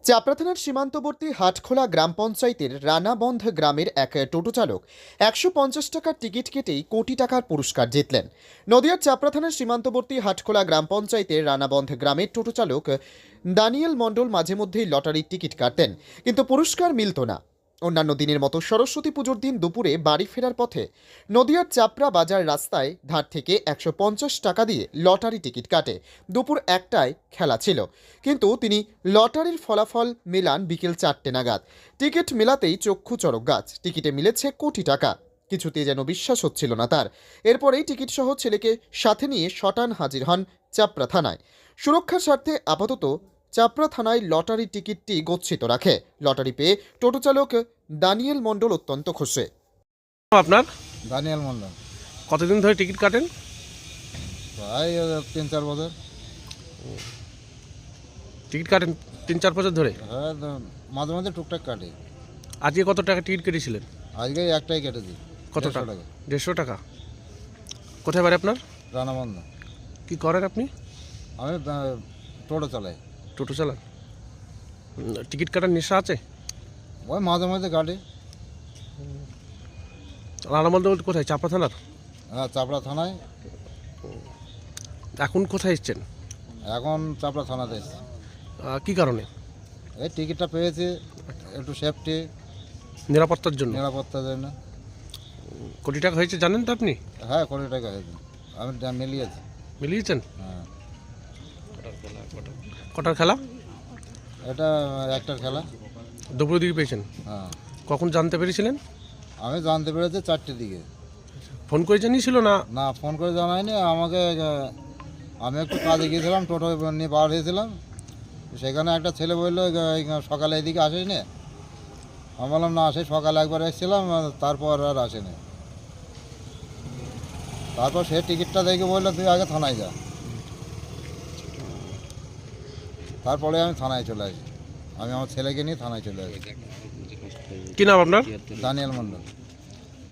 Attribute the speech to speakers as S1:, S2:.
S1: চাপড়া থানার সীমান্তবর্তী হাটখোলা গ্রাম পঞ্চায়েতের রানাবন্ধ গ্রামের এক টোটো চালক ১৫০ টাকার টিকিট কেটেই কোটি টাকার পুরস্কার জিতলেন। নদিয়ার চাপড়া থানার সীমান্তবর্তী হাটখোলা গ্রাম পঞ্চায়েতের রানাবন্ধ গ্রামের টোটো চালক দানিয়েল মণ্ডল মাঝে মধ্যেই লটারির টিকিট কাটতেন, কিন্তু পুরস্কার মিলত না। অন্যান্য দিনের মতো সরস্বতী পুজোর দিন দুপুরে বাড়ি ফেরার পথে নদিয়ার চাপড়া বাজার রাস্তায় ধার থেকে ১৫০ টাকা দিয়ে লটারি টিকিট কাটে। দুপুর ১টায় খেলা ছিল, কিন্তু তিনি লটারির ফলাফল মেলান বিকেল ৪টে নাগাদ। টিকিট মেলাতেই চক্ষু চড়ক গাছ, টিকিটে মিলেছে কোটি টাকা। কিছুতে যেন বিশ্বাস হচ্ছিল না তার। এরপরেই টিকিট সহ ছেলেকে সাথে নিয়ে শটান হাজির হন চাপড়া থানায়। সুরক্ষার স্বার্থে আপাতত চাপড়া থানায় লটারি টিকিটটি গচ্ছিত রাখে। লটারি পেয়ে টোটো চালক দানিয়েল মণ্ডল অত্যন্ত খুশি।
S2: আপনার
S3: দানিয়াল মন্ডল
S2: কতদিন ধরে টিকিট কাটেন?
S3: প্রায় ৩-৪ বছর।
S2: টিকিট কাটেন ৩-৪ বছর ধরে?
S3: হ্যাঁ, মাঝে মাঝে টুকটাক কাটে।
S2: আজকে কত টাকা টিকিট কেটেছিলেন?
S3: আজকে একটাই কেটেছি।
S2: কত
S3: ১৫০
S2: টাকা? 150 টাকা। কোথায় বাড়ি আপনার?
S3: রানাবন্ধ।
S2: কি করেন আপনি?
S3: আমি টোটো চালাই।
S2: টোটো চালান? টিকিট কাটার নেশা আছে?
S3: ওই মাঝে মাঝে কাটে।
S2: রানাবন্ধ বলতে কোথায়? চাপড়া থানার?
S3: হ্যাঁ, চাপড়া থানায়।
S2: এখন কোথায় এসছেন?
S3: এখন চাপড়া থানাতে এসেছি।
S2: কি কারণে?
S3: এই টিকিটটা পেয়েছি একটু সেফটি,
S2: নিরাপত্তার জন্য?
S3: নিরাপত্তার জন্য।
S2: কোটি টাকা হয়েছে জানেন তো আপনি?
S3: হ্যাঁ, কোটি টাকা হয়েছে। আমি মিলিয়েছি।
S2: মিলিয়েছেন?
S3: হ্যাঁ।
S2: কটার খেলা?
S3: এটা একটার খেলা।
S2: দুপুরের দিকে পেয়েছেন?
S3: হ্যাঁ।
S2: কখন জানতে পেরেছিলেন?
S3: আমি জানতে পেরেছি ৪টের দিকে।
S2: ফোন করে জানিয়েছিল না?
S3: না, ফোন করে জানায়নি আমাকে। আমি একটু কাজে গিয়েছিলাম, টোটো নিয়ে বার হয়েছিলাম। সেখানে একটা ছেলে বললো সকালে এদিকে আসিস নি। আমি বললাম না, সেই সকালে একবার এসেছিলাম, তারপর আর আসেনি। তারপর সে টিকিটটা দেখে বললো তুই আগে থানায় যা। তারপরে আমি থানায় চলে আসি। আমি আমার ছেলেকে নিয়ে থানায় চলে আসি।
S2: কি নাম আপনার?
S3: দানিয়াল মণ্ডল।